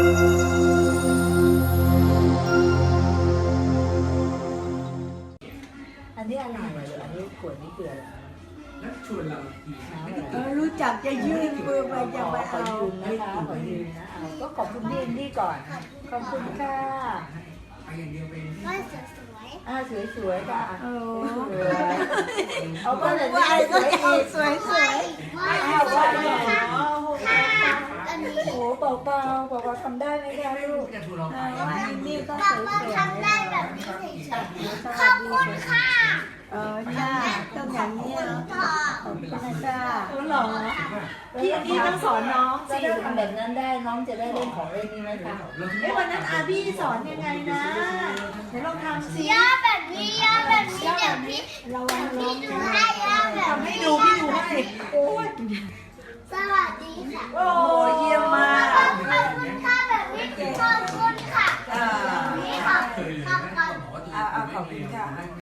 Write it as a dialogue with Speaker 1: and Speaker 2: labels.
Speaker 1: อันนี้อะไรอันนี้ขวดนี้เกลือ
Speaker 2: แล้วชวนเราอีก
Speaker 3: รู้จักจะยื่นมือไปจะไป
Speaker 1: ขอ
Speaker 3: เอา
Speaker 1: ยืมนะคะขอยืมนะเอาก็ขอบคุณพี่นี่ก่อนขอบคุณค่ะ
Speaker 2: ไปอย่างเดียวเป็น
Speaker 4: ก็สวย
Speaker 1: สวยๆค่ะ
Speaker 3: โอ้
Speaker 1: เอาก็เลย
Speaker 3: ว่า
Speaker 1: สวยอีก
Speaker 3: สวยสวย
Speaker 1: เอาว่า
Speaker 4: อันนี้
Speaker 1: โอ้เบาๆทำได้ไหมคะลูก
Speaker 2: จะชวนเราไป
Speaker 3: ว่าอันนี้ก็ส
Speaker 4: ป้า
Speaker 3: วย
Speaker 4: ป้า
Speaker 3: สวย
Speaker 4: ทำได้แบบนี้เฉยๆขอบคุณค่ะ
Speaker 3: จ้าต้องอย่างนี้
Speaker 4: พ่อ
Speaker 3: ขอบคุณจ้า
Speaker 1: หรอพี่ต้องสอนน้องสิทำแบบนั้นได้น้องจะได้เล่นของเล่นนี้ไหมคะวันนั้นอาพี่สอนยังไงนะเดี๋ยวลองทำสิ
Speaker 4: ย่าแบบนี้ย่าแบบนี้เดี๋ยวพี่
Speaker 1: ระวัง
Speaker 4: พี่ดูให้ย่าแบบ
Speaker 1: ทำให้ดูพี่ดูให้โอ้ย
Speaker 4: สวัสดีค่ะ
Speaker 1: โอ้เยี่ยมมาก
Speaker 4: ขอบคุณค่ะแบบนี้ขอบคุณค่ะนี่ค่ะขอบคุณ
Speaker 2: บอกว่าตัวเองไม่เป็น